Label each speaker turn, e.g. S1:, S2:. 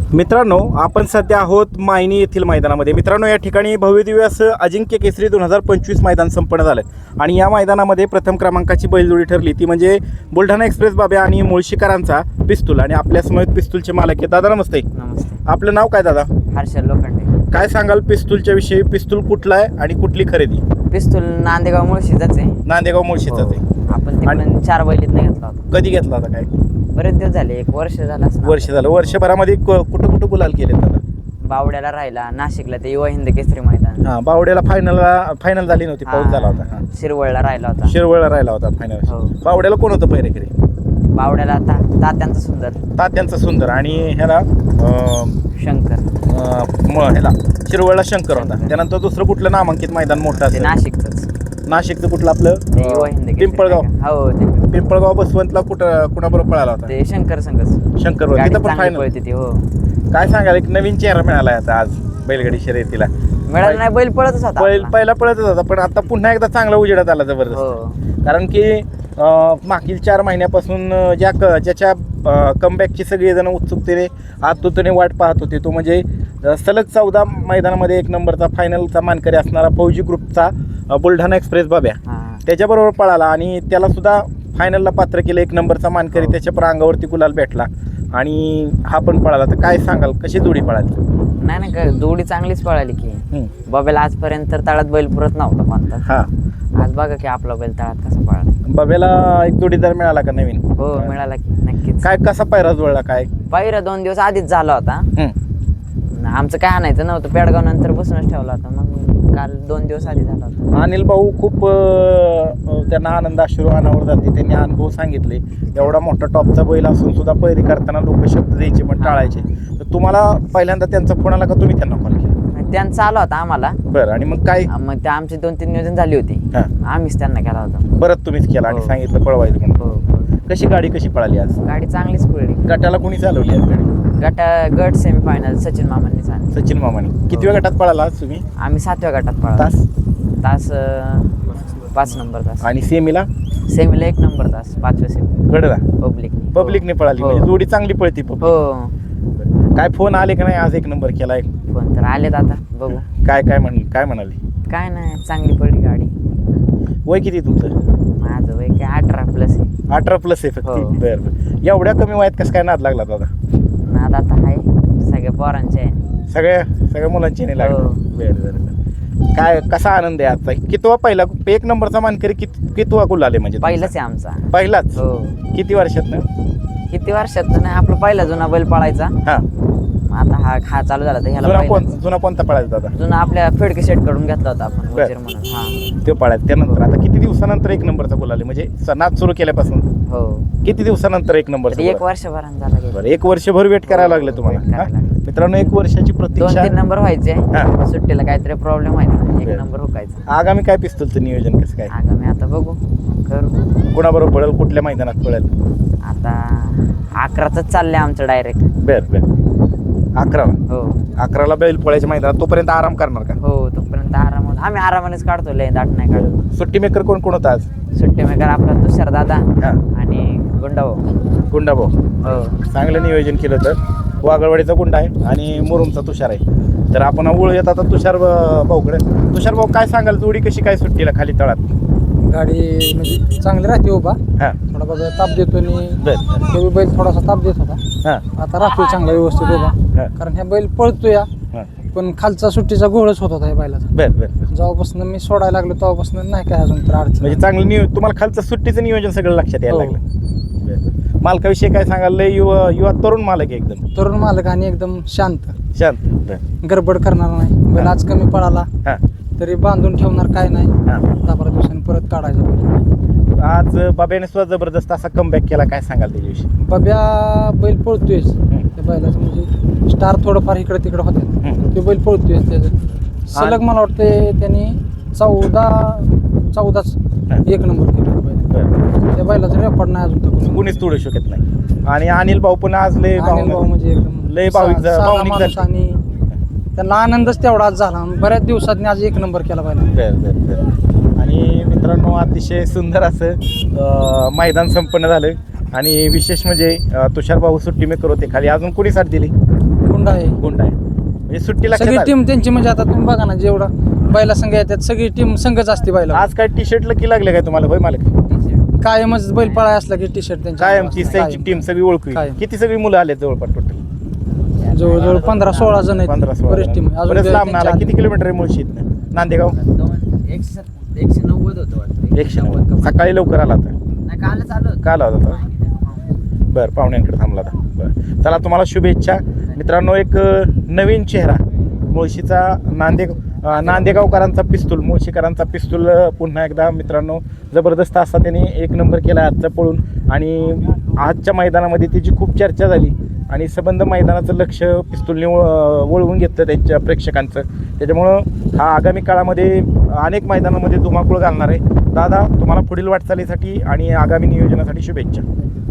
S1: मित्रांनो, आपण सध्या आहोत मायनी येथील मैदानामध्ये. मित्रांनो, या ठिकाणी भव्यदिव्य असं अजिंक्य केसरी 2025 मैदान संपन्न झालं आणि या मैदानामध्ये प्रथम क्रमांकाची बैलजोडी ठरली, ती म्हणजे बुलढाणा एक्सप्रेस बाब्या आणि मुळशीकरांचा पिस्तूल. आणि आपल्या समोर पिस्तूलचे मालक आहे. दादा नमस्ते.
S2: नमस्ते.
S1: आपलं नाव काय दादा?
S2: हर्षल लोखंडे.
S1: काय सांगाल पिस्तूलच्या विषयी? पिस्तूल कुठला आहे आणि कुठली खरेदी?
S2: पिस्तूल नांदेगाव मुळशीचाच आहे.
S1: नांदेगाव मुळशीचाच आहे.
S2: आपण तिकडून 4 बैलीत नाही घेतला होता.
S1: कधी घेतला होता? काय
S2: बरेच दिवस झाले, 1 वर्ष झालं असं.
S1: वर्ष झालं. वर्षभरामध्ये कुठं कुठं गुलाल केले दादा?
S2: बावड्याला राहिला, नाशिकला ते युवा हिंद केसरी मैदान.
S1: हां, बावड्याला फायनल झाली नव्हती, पाऊस झाला होता. हां,
S2: शिरवळला राहिला होता.
S1: शिरवळला राहिला होता फायनल.
S2: हो.
S1: बावड्याला कोण होतं पहिरेकरी?
S2: बावड्याला आता तात्यांचा सुंदर,
S1: तात्यांचा सुंदर आणि ह्याला
S2: शंकर,
S1: ह्याला शिरवळला शंकर होता. त्यानंतर दुसरं कुठलं नामांकित मैदान मोठं
S2: ते
S1: असेल?
S2: नाशिकचंच.
S1: नाशिकचं कुठलं आपलं?
S2: ते युवा हिंद केसरी
S1: पिंपळगाव.
S2: मैदान. हो, ते
S1: पिंपळगाव बसवंतला कुणाबरोबर पळाला होता?
S2: ते शंकर संघच.
S1: शंकर
S2: गाडी
S1: तिथं पण
S2: चांगली
S1: फायनल.
S2: पळते ती. हो.
S1: काय सांगाल, एक नवीन चेहरा मिळाला आता आज बैलगाडी शर्यतीला?
S2: मिळालं नाही, बैल पळतच होता आपला.
S1: पहिला पळतच होता, पण आता पुन्हा एकदा चांगला उजेडात आला जबरदस्त.
S2: हो.
S1: कारण की मागील 4 महिन्यापासून ज्याच्या कमबॅकची सगळेजण उत्सुकतेने आतुरतेने वाट पाहत होते, तो म्हणजे सलग 14 मैदानामध्ये 1 नंबरचा फायनलचा मानकरी असणारा फौजी ग्रुपचा बुलढाणा एक्सप्रेस बाब्या त्याच्याबरोबर पळाला आणि त्याला सुद्धा फायनलला पात्र केलं. 1 नंबरचा मानकरी त्याच्या पण अंगावरती गुलाल भेटला आणि हा पण पळाला. तर काय सांगाल, कशी जोडी पळाली?
S2: नाही का, जोडी चांगलीच पळाली की. बाब्याला आजपर्यंत तळात बैल पुरत नव्हता कोणता.
S1: हा,
S2: आज बघा की आपला बैल तळात कसा पळाला.
S1: बाब्याला एक जोडीदार मिळाला का नवीन?
S2: हो, मिळाला की नक्कीच.
S1: काय कसा पायरा जुळला? काय
S2: पायरा 2 दिवस आधीच झाला होता. आमचं काय आणायचं नव्हतं, पेडगाव नंतर बसूनच ठेवला होता. मग काल 2 दिवस आधी झाला होता.
S1: अनिल भाऊ खूप त्यांना आनंद अश्रू अनावर जाते. त्यांनी अनुभव सांगितले. एवढा मोठा टॉपचा बैल असून सुद्धा पैरी करताना लोक शब्द द्यायचे पण टाळायचे. तर तुम्हाला पहिल्यांदा त्यांचा फोन आला का तुम्ही त्यांना कॉल केला?
S2: त्यांचा आला होता आम्हाला.
S1: बरं, आणि मग काय?
S2: मग ते आमची 2-3 नियोजन झाली होती.
S1: हां,
S2: आम्हीच त्यांना केला होता.
S1: परत तुम्हीच केला आणि
S2: हो.
S1: सांगितलं पळवायचं म्हणून.
S2: हो.
S1: कशी गाडी कशी पळाली आज?
S2: गाडी चांगलीच पळली.
S1: गटाला कोणी चालवली आज गाडी?
S2: गट सेमीफायनल सचिन मामांनी सांगितलं.
S1: सचिन मामाने. कितव्या गटात पळाला आज तुम्ही?
S2: आम्ही 7व्या गटात पळालो. तास 5 नंबर तास.
S1: आणि सेमीला?
S2: सेमीला 1 नंबर तास, 5व्या सेमी
S1: गडला
S2: पब्लिकने
S1: पळाली.
S2: हो.
S1: म्हणजे जोडी चांगली पळती.
S2: हो.
S1: काय फोन आले का नाही? आज 1 नंबर केलाय.
S2: फोन तर आलेत, आता बघू.
S1: काय म्हणाले?
S2: काय नाही, चांगली पडली गाडी.
S1: वय किती तुमचं?
S2: माझं वय काय 18+ आहे.
S1: 18+ आहे फक्त.
S2: हो.
S1: बरं. एवढ्या कमी वयात कसं काय नाद लागला दादा?
S2: नाद आता आहे सगळ्या पोरांचे आहे.
S1: सगळ्या मुलांची नाही लागला.
S2: हो.
S1: बरं. काय कसा आनंद आहे आजचा? कितवा पहिला 1 नंबरचा मानकरी कितवा गुलाल आहे म्हणजे?
S2: पहिलाच आहे आमचा.
S1: पहिलाच?
S2: हो.
S1: किती वर्षात ना?
S2: किती वर्षात नाही, आपला पहिला जुना बैल पळायचा.
S1: हा,
S2: आता हा चालू झाला तर ह्याला
S1: जुना कोणता पळायचा दादा?
S2: जुना आपल्या फेडके सेट कडून घेतला होता आपण,
S1: बर.
S2: वजीर म्हणून. हा,
S1: ते पळायचा. त्यानंतर आता किती दिवसानंतर 1 नंबरचा गुलाल आहे? म्हणजे नाद सुरू केल्यापासून
S2: हो.
S1: किती दिवसानंतर 1 नंबरचा?
S2: 1 वर्षभरानं झाला गेला.
S1: बरं, 1 वर्षभर वेट करायला लागलं
S2: वेट
S1: तुम्हाला?
S2: करायला
S1: हा?
S2: लागलं.
S1: मित्रांनो, 1 वर्षाची प्रतीक्षा.
S2: 2-3 नंबर व्हायचे.
S1: हा.
S2: सुट्टीला काहीतरी प्रॉब्लेम व्हायचा, 1
S1: बर.
S2: नंबर हुकायचा.
S1: आगामी काय पिस्तूलचं नियोजन कसं काय?
S2: आगामी आता बघू करू.
S1: कोणाबरोबर पळेल? कुठल्या मैदानात पळेल?
S2: आता 11च चाललंय आमचं डायरेक्ट.
S1: बरं. 11ला?
S2: हो.
S1: 11ला बैल पळायच्या मैदानात. तोपर्यंत आराम करणार का?
S2: हो, तोपर्यंत आरामात आम्ही आरामानेच काढतो, लय दाट नाही काढतो.
S1: सुट्टी मेकर कोण होता आज?
S2: सुट्टी मेकर आपला तुषार दादा
S1: हा,
S2: आणि गुंडाभाऊ.
S1: गुंडाभाऊ.
S2: हो.
S1: चांगलं नियोजन केलं. तर वागळवाडीचा गुंडा आहे आणि मुरुमचा तुषार आहे. तर आपण येत आता तुषार भाऊकडे. तुषार भाऊ, काय सांगाल, जोडी कशी काय सुट्टीला खाली तळात?
S3: गाडी म्हणजे चांगली राहते उभा.
S1: हां,
S3: थोडा बघा ताप देतो आणि
S1: बरं.
S3: ते बैल थोडासा ताप देत होता.
S1: हां,
S3: आता राहतोय चांगला व्यवस्थित उभा.
S1: हां,
S3: कारण ह्या बैल पळतो या,
S1: हां.
S3: पण खालचा सुट्टीचा घोळच होत होता या बैलाचा.
S1: बरं.
S3: जेव्हापासून मी सोडायला लागलो तेव्हापासून नाही काय अजून तर अडचण.
S1: म्हणजे चांगलं तुम्हाला खालचं सुट्टीचं नियोजन सगळं लक्षात यायला
S3: हो.
S1: लागलं. बरं. मालकाविषयी काय सांगाल? लय युवा तरुण मालक आहे एकदम.
S3: तरुण मालक आणि एकदम शांत,
S1: शांत. बरं.
S3: गडबड करणार नाही. बैल आज कमी पळाला
S1: हां,
S3: तरी बांधून ठेवणार काय नाही.
S1: हां.
S3: 10-12 दिवसांनी परत काढायचा बैल.
S1: आज बाब्याने सुद्धा जबरदस्त असा कमबॅक केला. काय सांगाल त्याच्याविषयी?
S3: बाब्या बैल पळतोयच. त्या बैलाचं म्हणजे स्टार थोडंफार इकडे तिकडे होते. ते बैल पळतोयच. त्याचं सलग मला वाटते त्यांनी 14च 1 नंबर केला बैल.
S1: बरं.
S3: त्या बैलाचं रेकॉर्ड नाही अजून तर
S1: कुणीच तोडू शकत नाही. आणि अनिल भाऊ पण आज लय
S3: भाऊ म्हणजे एकदम
S1: लय भाविक
S3: साधा माणूस आणि त्यांना आनंदच तेवढाच झाला. बऱ्याच दिवसांनी आज 1 नंबर केला बैल.
S1: बरं. आणि मित्रांनो, अतिशय सुंदर असं मैदान संपन्न झालं. आणि विशेष म्हणजे तुषार भाऊ सुट्टी मेकर होते खाली. अजून कोणी साथ दिली?
S3: गुंड आहे.
S1: गुंड आहे म्हणजे सुट्टी
S3: सगळी
S1: लक्षात
S3: टीम त्यांची म्हणजे आता तुम्ही बघा ना जेवढा बैला संघ येतात सगळी टीम संघच असते बैला.
S1: आज काय टी शर्ट लकी लागले काय तुम्हाला होय मालक
S3: कायमच बैल पळा असला की टी शर्ट त्यांची
S1: कायमची त्यांची टीम सगळी ओळखू
S3: कायम.
S1: किती सगळी मुलं आले जवळपास टोटल
S3: जवळजवळ 15-16 जण आहेत.
S1: 15-16
S3: बरेच टीम आहे. अजून
S1: बरेच लांब
S3: त्यांच्या
S1: आला किती किलोमीटर आहे मुळशी इथनं नांदेगाव
S2: 190 होतं वाटतं
S1: 190 सकाळी लवकर आला आता
S2: नाही कालच आलो
S1: काल आला होता बरं पाहुण्यांकडे थांबला होता बरं चला तुम्हाला शुभेच्छा मित्रांनो एक नवीन चेहरा मुळशीचा नांदेगावकरांचा पिस्तूल मुळशीकरांचा पिस्तूल पुन्हा एकदा मित्रांनो जबरदस्त असा त्यांनी एक नंबर केला आजचा पळून आणि आजच्या मैदानामध्ये त्याची खूप चर्चा झाली आणि संबंध मैदानाचं लक्ष पिस्तूलने वळवून घेतलं त्यांच्या प्रेक्षकांचं त्याच्यामुळं हा आगामी काळामध्ये अनेक मैदानामध्ये धुमाकूळ घालणार आहे दादा तुम्हाला पुढील वाटचालीसाठी आणि आगामी नियोजनासाठी शुभेच्छा